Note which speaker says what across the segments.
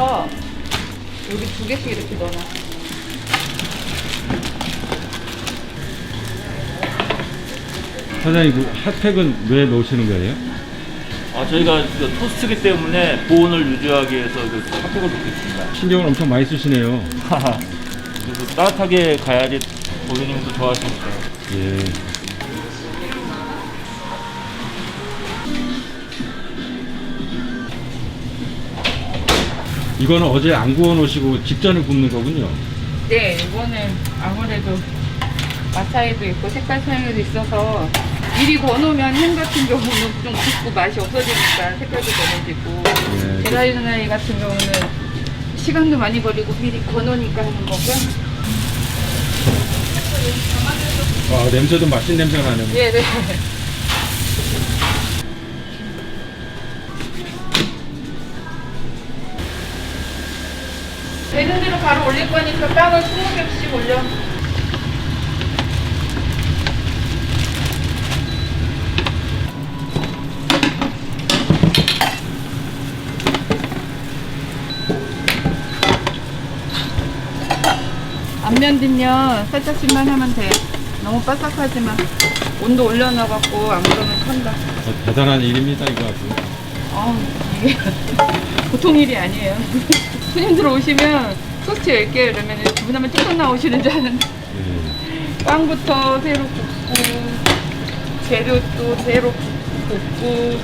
Speaker 1: 그래서 여기 2개씩 이렇게 넣어놔.
Speaker 2: 사장님, 그 핫팩은 왜 넣으시는 거예요?
Speaker 3: 저희가 그 토스트기 때문에 보온을 유지하기 위해서 그 핫팩을 넣고 있습니다.
Speaker 2: 신경을 엄청 많이 쓰시네요.
Speaker 3: 그래서 따뜻하게 가야지 고객님도 좋아하시니까.
Speaker 2: 예. 이거는 어제 안 구워 놓으시고 직전에 굽는 거군요.
Speaker 1: 네, 이거는 아무래도 맛 차이도 있고 색깔 차이도 있어서 미리 구워놓으면 햄 같은 경우는 좀 굽고 맛이 없어지니까 색깔도 변해지고
Speaker 2: 예.
Speaker 1: 계란후라이 같은 경우는 시간도 많이 걸리고 미리 구워놓으니까 하는 거고요.
Speaker 2: 냄새도 맛있는 냄새가 나네요.
Speaker 1: 네네. 되는 대로 바로 올릴 거니까 빵을 20개씩 올려. 앞면 뒷면 살짝씩만 하면 돼. 너무 바삭하지만 온도 올려놔갖고 안 그러면 탄다.
Speaker 2: 대단한 일입니다, 이거 아주.
Speaker 1: 이게 보통 일이 아니에요. 손님들 오시면 토스트 10개 이러면 주문하면 뚝뚝 나오시는 줄 아는데
Speaker 2: 예.
Speaker 1: 빵부터 새로 굽고 재료도 새로 굽고.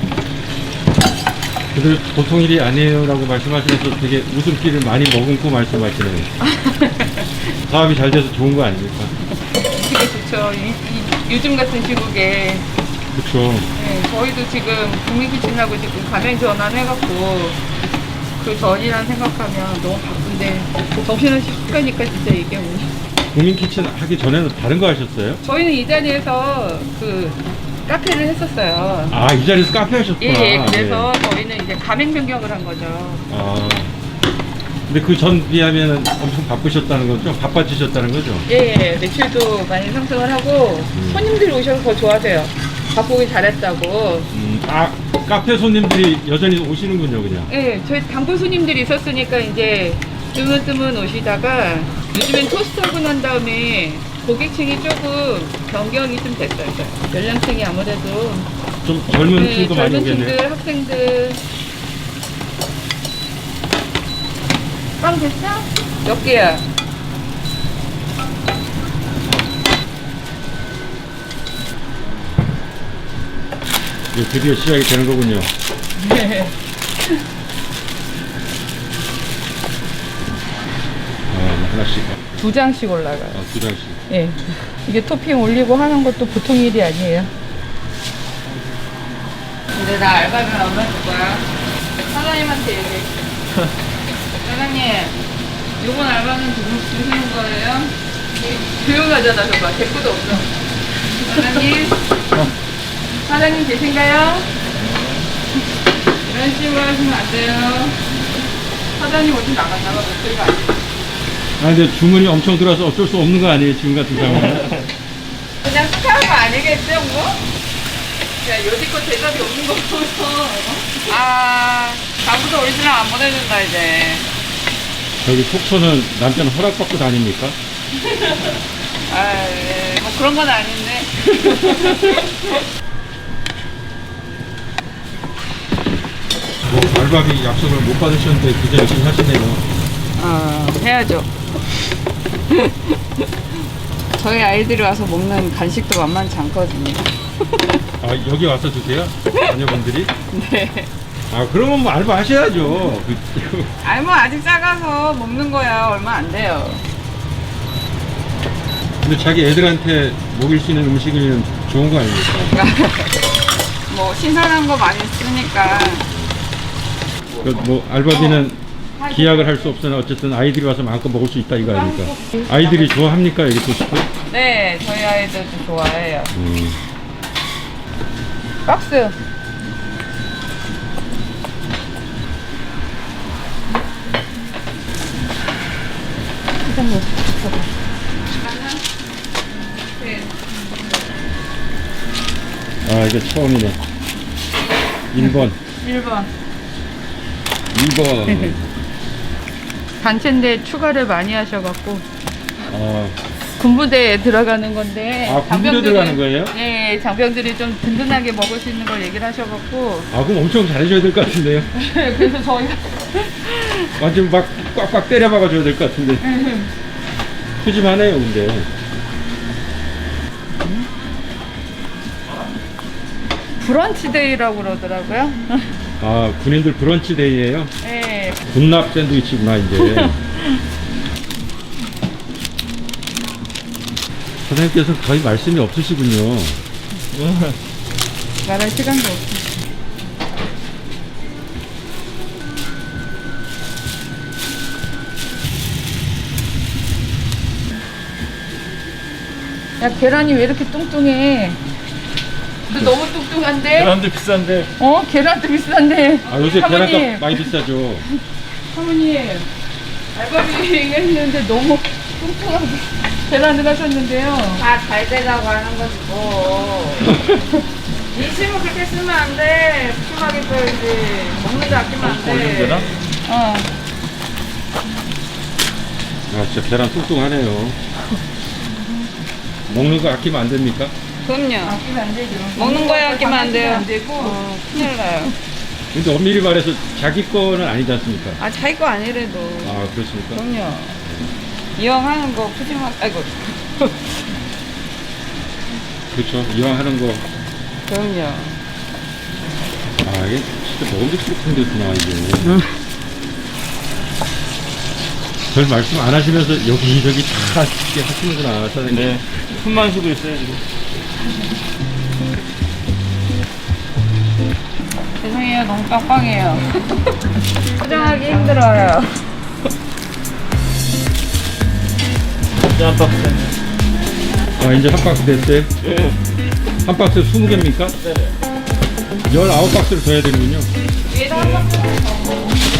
Speaker 2: 그래도 보통 일이 아니에요라고 말씀하시면서 되게 웃음기를 많이 머금고 말씀하시네요. 사업이 잘 돼서 좋은 거 아닙니까?
Speaker 1: 되게 좋죠. 요즘 같은 시국에.
Speaker 2: 그렇죠.
Speaker 1: 네, 저희도 지금 국민키친하고 지금 가맹 전환해갖고 그 전이란 생각하면 너무 바쁜데 정신없이 훅 가니까 진짜 이게 뭐.
Speaker 2: 국민키친 하기 전에는 다른 거 하셨어요?
Speaker 1: 저희는 이 자리에서 그 카페를 했었어요.
Speaker 2: 아, 이 자리에서 카페 하셨구나.
Speaker 1: 예, 그래서 저희는 이제 가맹 변경을 한 거죠.
Speaker 2: 아, 근데 그 전 비하면 엄청 바쁘셨다는 거죠? 바빠지셨다는 거죠?
Speaker 1: 예, 매출도 많이 상승을 하고 손님들이 오셔서 더 좋아하세요. 바꾸기 잘했다고.
Speaker 2: 카페 손님들이 여전히 오시는군요, 그냥.
Speaker 1: 예, 저희 단골 손님들이 있었으니까 이제 뜨문뜨문 오시다가 요즘엔 토스트하고 난 다음에 고객층이 조금 변경이 좀 됐어요. 연령층이 아무래도
Speaker 2: 좀 젊은
Speaker 1: 네,
Speaker 2: 층도 많이
Speaker 1: 젊은
Speaker 2: 오겠네요.
Speaker 1: 층들, 학생들. 빵 됐어? 몇 개야?
Speaker 2: 이제 드디어 시작이 되는 거군요.
Speaker 1: 네.
Speaker 2: 하나씩.
Speaker 1: 2장씩 올라가요.
Speaker 2: 2장씩.
Speaker 1: 예. 이게 토핑 올리고 하는 것도 보통 일이 아니에요. 근데 나 알바면 얼마 줄 거야? 사장님한테 얘기해. 사장님, 요번 알바는 주시는 거예요? 조용하잖아, 저봐. 대꾸도 없어. 사장님? 사장님 계신가요? 이런 식으로 하시면 안 돼요. 사장님 어디 나갔다가 목소리가 안 돼.
Speaker 2: 근데 주문이 엄청 들어와서 어쩔 수 없는 거 아니에요, 지금 같은 상황은?
Speaker 1: 그냥 스카우트 아니겠죠, 뭐? 야, 여지껏 대답이 없는 거 보면서. 다음부터 오리지널 안 보내준다, 이제.
Speaker 2: 저기 속초는 남편 허락받고 다닙니까?
Speaker 1: 네, 뭐 그런 건 아닌데.
Speaker 2: 알바비 약속을 못 받으셨는데 굉장히 열심히 하시네요.
Speaker 1: 해야죠. 저희 아이들이 와서 먹는 간식도 만만치 않거든요.
Speaker 2: 여기 와서 드세요? 자녀분들이?
Speaker 1: 네.
Speaker 2: 그러면 뭐 알바 하셔야죠.
Speaker 1: 아니, 뭐 아직 작아서 먹는 거야. 얼마 안 돼요.
Speaker 2: 근데 자기 애들한테 먹일 수 있는 음식이면 좋은 거 아닙니까?
Speaker 1: 뭐 신선한 거 많이 쓰니까.
Speaker 2: 뭐 알바비는 기약을 할 수 없으나 어쨌든 아이들이 와서 마음껏 먹을 수 있다 이거 아닙니까? 아이들이 좋아합니까 여기 토스트?
Speaker 1: 네, 저희 아이들도 좋아해요. 박스. 사장님, 저거.
Speaker 2: 이게 처음이네. 1번.
Speaker 1: 1번.
Speaker 2: 2번.
Speaker 1: 단체인데 추가를 많이 하셔갖고
Speaker 2: 아,
Speaker 1: 군부대에 들어가는 건데.
Speaker 2: 아, 군부대
Speaker 1: 장병들이-
Speaker 2: 들어가는 거예요?
Speaker 1: 네, 장병들이 좀 든든하게 먹을 수 있는 걸 얘기를 하셔갖고.
Speaker 2: 아, 그럼 엄청 잘해줘야 될 것 같은데요?
Speaker 1: 그래서 저희가
Speaker 2: 완전 막 꽉꽉 때려 박아줘야 될 것 같은데. 푸짐하네요, 근데.
Speaker 1: 브런치 데이라고 그러더라고요.
Speaker 2: 아, 군인들 브런치 데이예요?
Speaker 1: 네.
Speaker 2: 군납 샌드위치구나, 이제. 선생님께서 거의 말씀이 없으시군요.
Speaker 1: 말할 시간도 없어. 야, 계란이 왜 이렇게 뚱뚱해? 너 너무 뚱뚱한데?
Speaker 3: 계란도 비싼데.
Speaker 1: 계란도 비싼데.
Speaker 2: 아, 요새
Speaker 1: 사모님,
Speaker 2: 계란값 많이 비싸죠.
Speaker 1: 사모님, 알바비 했는데 너무 뚱뚱하게 계란을 하셨는데요.
Speaker 4: 다 잘 되라고 하는 거지 뭐. 인심을 그렇게 쓰면 안 돼. 푸짐하게 써야지. 먹는 거 아끼면 안 돼.
Speaker 3: 올리면 되나?
Speaker 2: 아, 진짜 계란 뚱뚱하네요. 먹는 거 아끼면 안 됩니까?
Speaker 4: 그럼요.
Speaker 1: 아끼면 안 되죠.
Speaker 4: 먹는 거에 아끼면 안 돼요.
Speaker 1: 안 되고.
Speaker 4: 큰일 나요.
Speaker 2: 근데 엄밀히 말해서 자기 거는 아니지 않습니까?
Speaker 4: 아, 자기 거 아니래도.
Speaker 2: 아, 그렇습니까?
Speaker 4: 그럼요. 이왕 하는 거 푸짐하게, 아이고.
Speaker 2: 그렇죠. 이왕 하는 거.
Speaker 4: 그럼요.
Speaker 2: 아, 이게 진짜 먹음직스럽게 생겼구나, 이게. 별 말씀 안 하시면서 여기저기 다 이렇게 하시는구나, 사장님.
Speaker 3: 네. 숨만 쉬고 있어요, 지금.
Speaker 4: 죄송해요. 너무 빵빵해요. 포장하기 힘들어요.
Speaker 3: 이제 한 박스 됐네.
Speaker 2: 아, 이제 한 박스 됐어요?
Speaker 3: 예.
Speaker 2: 한 박스 20개입니까?
Speaker 3: 네.
Speaker 2: 19박스를 더 해야 되는군요.
Speaker 4: 위에다 한 박스.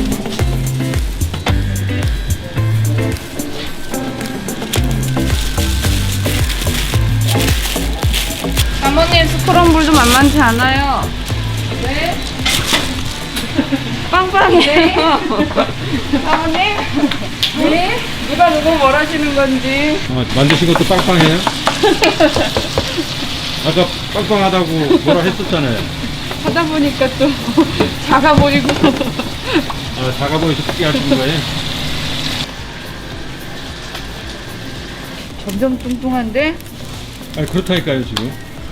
Speaker 4: 사모님 스크럼블도 만만치 않아요.
Speaker 1: 네?
Speaker 4: 빵빵해요. 사모님?
Speaker 1: 네? 누가 누구 뭘 하시는 건지.
Speaker 2: 만드신 것도 빵빵해요? 아까 빵빵하다고 뭐라 했었잖아요.
Speaker 1: 하다 보니까 또 작아 보이고.
Speaker 2: 아, 작아 보여서 크게 하시는 거예요?
Speaker 1: 점점 뚱뚱한데?
Speaker 2: 아, 그렇다니까요, 지금.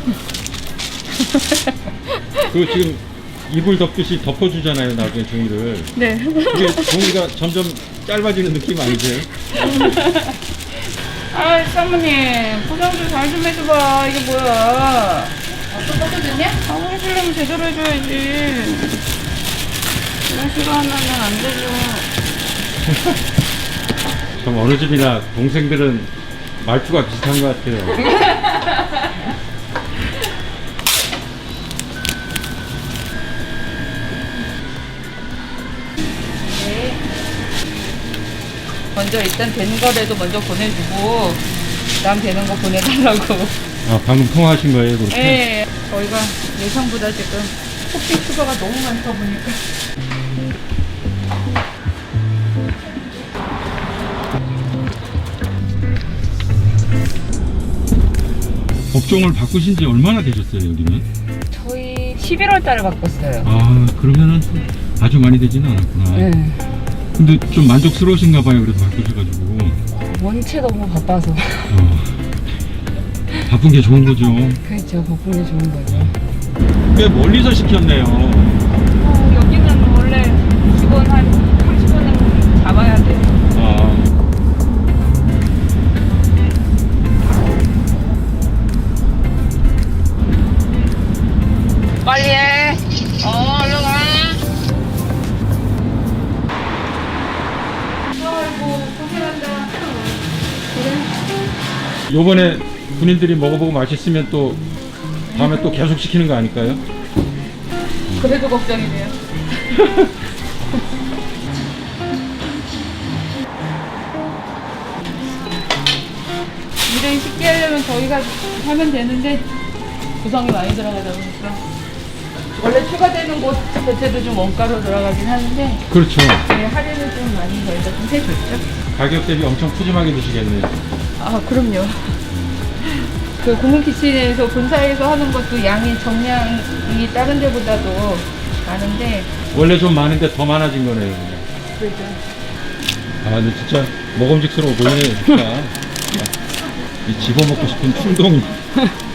Speaker 2: 그 지금 이불 덮듯이 덮어주잖아요, 나중에 종이를.
Speaker 1: 네.
Speaker 2: 그게 종이가 점점 짧아지는 느낌 아니세요?
Speaker 4: 아, 사모님. 포장 좀 잘 좀 해줘봐. 이게 뭐야.
Speaker 1: 또 꺾어졌냐?
Speaker 4: 아, 해주려면 제대로 해줘야지. 이런 식으로 하면 안 되죠.
Speaker 2: 참 어느 집이나 동생들은 말투가 비슷한 것 같아요.
Speaker 1: 먼저 일단 되는 거라도 먼저 보내주고 그다음 되는 거 보내달라고.
Speaker 2: 아, 방금 통화하신 거예요, 그렇게?
Speaker 1: 네. 저희가 예상보다 지금 토핑 추가가 너무 많다 보니까.
Speaker 2: 업종을 바꾸신 지 얼마나 되셨어요, 여기는?
Speaker 4: 저희 11월 달에 바꿨어요.
Speaker 2: 아, 그러면은 아주 많이 되지는 않았구나.
Speaker 4: 네.
Speaker 2: 근데 좀 만족스러우신가 봐요, 그래도 바꾸셔가지고.
Speaker 4: 원체 너무 바빠서.
Speaker 2: 바쁜 게 좋은 거죠.
Speaker 4: 그렇죠. 바쁜 게 좋은 거죠.
Speaker 2: 꽤 멀리서 시켰네요.
Speaker 4: 여기는 원래 직원 한 30분은 잡아야 돼요.
Speaker 2: 아,
Speaker 4: 빨리 해. 얼른 가.
Speaker 1: 아이고 고생한다.
Speaker 2: 요번에 군인들이 먹어보고 맛있으면 또 다음에 또 계속 시키는 거 아닐까요?
Speaker 1: 그래도 걱정이네요. 일을 쉽게 하려면 저희가 하면 되는데 구성이 많이 들어가다 보니까. 원래 추가되는 곳 자체도 좀 원가로 들어가긴 하는데
Speaker 2: 그렇죠.
Speaker 1: 네, 할인을 좀 많이 저희가 좀 해줬죠.
Speaker 2: 가격 대비 엄청 푸짐하게 드시겠네요.
Speaker 1: 아 그럼요. 그 공군키친에서 본사에서 하는 것도 양이 정량이 다른 데보다도 많은데
Speaker 2: 원래 좀 많은데 더 많아진 거네요. 그냥.
Speaker 1: 그죠.
Speaker 2: 아 근데 진짜 먹음직스러워 보이네요. 진짜. 이 집어먹고 싶은 충동이.